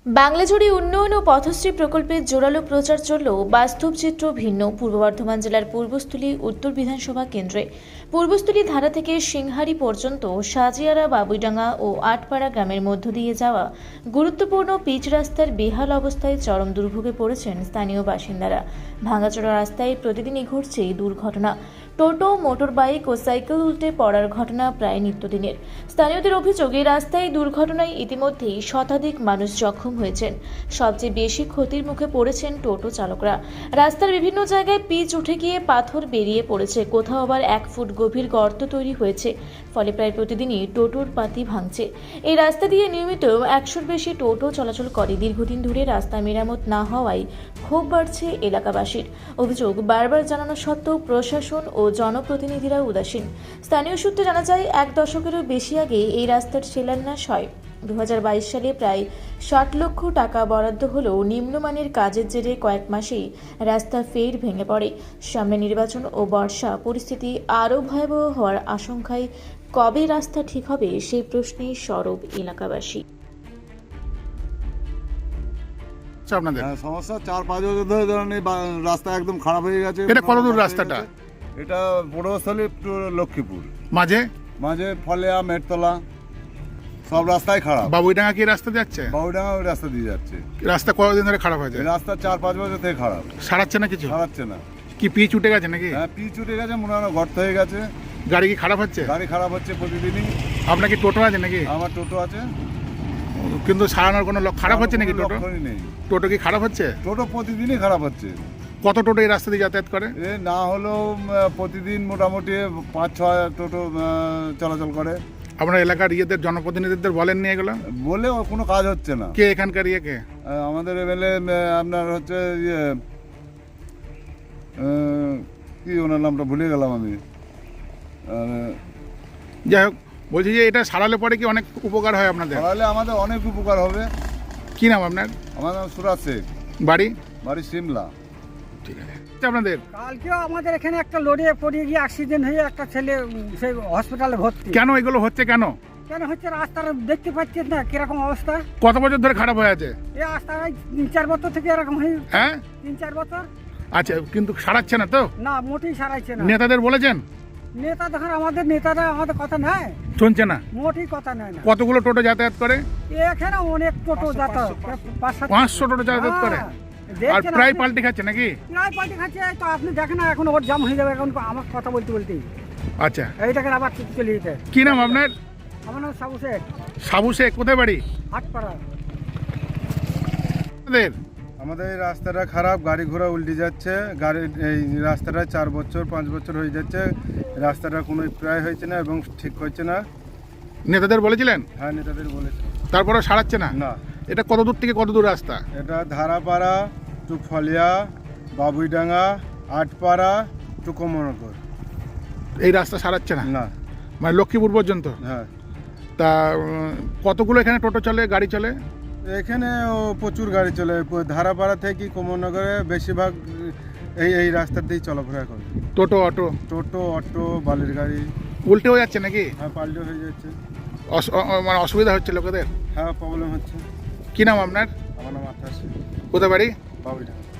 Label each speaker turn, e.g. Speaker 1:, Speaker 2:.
Speaker 1: বাংলাজুড়ে উন্নয়ন ও পথশ্রী প্রকল্পের জোরালো প্রচার চললেও বাস্তব চিত্র ভিন্ন। পূর্ব বর্ধমান জেলার পূর্বস্থলী উত্তর বিধানসভা কেন্দ্রে পূর্বস্থলী ধারা থেকে সিংহারি পর্যন্ত সাজিয়ারা, বাবুইডাঙ্গা ও আটপাড়া গ্রামের মধ্য দিয়ে যাওয়া গুরুত্বপূর্ণ পিচ রাস্তার বেহাল অবস্থায় চরম দুর্ভোগে পড়েছেন স্থানীয় বাসিন্দারা। ভাঙাচোরা রাস্তায় প্রতিদিনই ঘটছে এই দুর্ঘটনা। টোটো, মোটর বাইক ও সাইকেল উল্টে পড়ার ঘটনা প্রায় নিত্যদিনের। স্থানীয়দের অভিযোগ, এই রাস্তায় দুর্ঘটনায় ইতিমধ্যেই শতাধিক মানুষ জখম হয়েছেন। সবচেয়ে বেশি ক্ষতির মুখে পড়েছেন টোটো চালকরা। রাস্তার বিভিন্ন জায়গায় পিচ উঠে গিয়ে পাথর বেরিয়ে পড়েছে, কোথাও আবার 1 ফুট গভীর গর্ত তৈরি হয়েছে। ফলে প্রায় প্রতিদিনই টোটোর পাতি ভাঙছে। এই রাস্তা দিয়ে নিয়মিত 100-র বেশি টোটো চলাচল করে। দীর্ঘদিন ধরে রাস্তা মেরামত না হওয়ায় ক্ষোভ বাড়ছে এলাকাবাসীর। অভিযোগ, বারবার জানানো সত্ত্বেও প্রশাসন ও জনপ্রতিনিধিরা উদাসীন। স্থানীয় সূত্রে জানা যায়, 1 দশকেরও বেশি আগে এই রাস্তার শিলান্যাস হয়। 2022 সালে প্রায় 60 লক্ষ টাকা বরাদ্দ হলেও নিম্নমানের কাজের জেরে কয়েক মাসেই রাস্তা ফের ভেঙে পড়ে। সামনে নির্বাচন ও বর্ষা, পরিস্থিতি আরও ভয়াবহ হওয়ার আশঙ্কায় কবে রাস্তা ঠিক হবে সেই প্রশ্নে সরব এলাকাবাসী।
Speaker 2: আপনাদের
Speaker 3: সমস্যা 4-5 বছর ধরে ধরেন এই রাস্তা একদম খারাপ হয়ে গেছে।
Speaker 2: এটা কত দূর রাস্তাটা?
Speaker 3: এটা পূর্বস্থলী টু লক্ষ্মীপুর,
Speaker 2: মাঝে
Speaker 3: মাঝে ফলেয়া, মেটতলা, সব রাস্তাই খারাপ।
Speaker 2: বাবুইডাঙ্গা কি রাস্তা যাচ্ছে?
Speaker 3: বাবুডাঙ্গা ওই রাস্তা দিয়ে যাচ্ছে।
Speaker 2: রাস্তা কতদিন ধরে খারাপ হয়েছে?
Speaker 3: এই রাস্তা 4-5 বছর থেকে খারাপ,
Speaker 2: সারাচ্ছে না কিছু?
Speaker 3: সারাচ্ছে না।
Speaker 2: কি পিচ উঠে গেছে নাকি?
Speaker 3: হ্যাঁ, পিচ উঠে গেছে, মনে হয় গর্ত হয়ে গেছে।
Speaker 2: গাড়ি কি খারাপ হচ্ছে?
Speaker 3: গাড়ি খারাপ হচ্ছে প্রতিদিনই।
Speaker 2: আপনার কি টোটো আছে নাকি?
Speaker 3: আমার টোটো আছে,
Speaker 2: কিন্তু সারানোর কোনো খারাপ হচ্ছে নাকি টোটো?
Speaker 3: লক্ষণই নেই।
Speaker 2: টোটো কি খারাপ হচ্ছে?
Speaker 3: টোটো প্রতিদিনই খারাপ হচ্ছে।
Speaker 2: কত টোটো এই রাস্তা দিয়ে যাতায়াত করে?
Speaker 3: এ না হলেও প্রতিদিন মোটামুটি 5-6 টোটো চলাচল করে।
Speaker 2: আপনার এলাকার জনপ্রতিনিধিদের বলেননি এগুলো?
Speaker 3: বলেও কোনো কাজ হচ্ছে না।
Speaker 2: কে এখানকার কে?
Speaker 3: আমাদের এমএলএ আপনার হচ্ছে কি ওনার নামটা ভুলে গেলাম আমি।
Speaker 2: যাই হোক, বলছি যে এটা সারালে পরে কি অনেক উপকার হয় আপনাদের?
Speaker 3: তাহলে আমাদের অনেক উপকার হবে।
Speaker 2: কি নাম আপনার?
Speaker 3: আমার নাম সুরাজ শেখ,
Speaker 2: বাড়ি?
Speaker 3: বাড়ি সিমলা।
Speaker 2: ঠিক আছে। আপনাদের
Speaker 4: কালকেও আমাদের এখানে একটা লড়ে পড়ে গিয়ে অ্যাক্সিডেন্ট হয়ে একটা ছেলে সেই হসপিটালে ভর্তি।
Speaker 2: কেন এগুলো হচ্ছে? কেন
Speaker 4: কেন হচ্ছে? রাস্তার দেখতে পাচ্ছেন না কিরকম অবস্থা?
Speaker 2: কত বছর ধরে খারাপ হয়ে আছে
Speaker 4: এই রাস্তা 3-4 বছর থেকে এরকম হয়ে,
Speaker 2: হ্যাঁ?
Speaker 4: 3-4 বছর।
Speaker 2: আচ্ছা, কিন্তু সারাচ্ছে না তো?
Speaker 4: না, মোটেই সারাইছে না।
Speaker 2: নেতাদের বলেছেন?
Speaker 4: নেতা দেখেন, আমাদের নেতারা আমাদের কথা নেয়,
Speaker 2: শুনছে না?
Speaker 4: মোটেই কথা নেয় না।
Speaker 2: কতগুলো টোটো যাতায়াত করে?
Speaker 4: এখানে অনেক টোটো যাতায়াত,
Speaker 2: 500 টোটো যাতায়াত করে। আর প্রায় পাল্টে খাচ্ছে নাকি?
Speaker 4: প্রায় পাল্টে খাচ্ছে। তো আপনি দেখেন না, এখন ওর জাম হয়ে যাবে এখন আমার কথা বলতে বলতেই।
Speaker 2: আচ্ছা,
Speaker 4: এইটাকে আবার চলে যেতে।
Speaker 2: কি নাম আপনার?
Speaker 4: আমার নাম সাবু শেখ,
Speaker 2: সাবু শেখ। কোথায় বাড়ি?
Speaker 4: আটপাড়া।
Speaker 3: আমাদের এই রাস্তাটা খারাপ, গাড়ি ঘোড়া উল্টে যাচ্ছে। এই রাস্তাটা 4-5 বছর হয়ে যাচ্ছে। রাস্তাটা কোনো প্রায় হয়েছে না এবং ঠিক হচ্ছে না।
Speaker 2: নেতাদের বলেছিলেন?
Speaker 3: হ্যাঁ, নেতাদের বলেছে,
Speaker 2: তারপরে সারাচ্ছে না?
Speaker 3: না।
Speaker 2: এটা কত দূর থেকে কত দূর রাস্তা?
Speaker 3: এটা ধারাপাড়া টু ফলিয়া, বাবুইডাঙ্গা, আটপাড়া টু কমনগর।
Speaker 2: এই রাস্তা সারাচ্ছে না?
Speaker 3: না।
Speaker 2: মানে লক্ষ্মীপুর পর্যন্ত?
Speaker 3: হ্যাঁ।
Speaker 2: তা কতগুলো এখানে টোটো চলে, গাড়ি চলে?
Speaker 3: এখানে প্রচুর গাড়ি চলে। ধারাপাড়া থেকে কমনগরে বেশিরভাগ এই রাস্তার দিয়েই চলাফেরা করে।
Speaker 2: টোটো, অটো?
Speaker 3: টোটো, অটো, বালির গাড়ি।
Speaker 2: উল্টে হয়ে যাচ্ছে নাকি?
Speaker 3: হ্যাঁ, পাল্টে হয়ে যাচ্ছে।
Speaker 2: মানে অসুবিধা হচ্ছে লোকেদের?
Speaker 3: হ্যাঁ, প্রবলেম হচ্ছে।
Speaker 2: কি নাম আপনার?
Speaker 3: আমার নাম আঠাশ।
Speaker 2: কোথায় বাড়ি?
Speaker 3: বাবুইডাঙ্গা।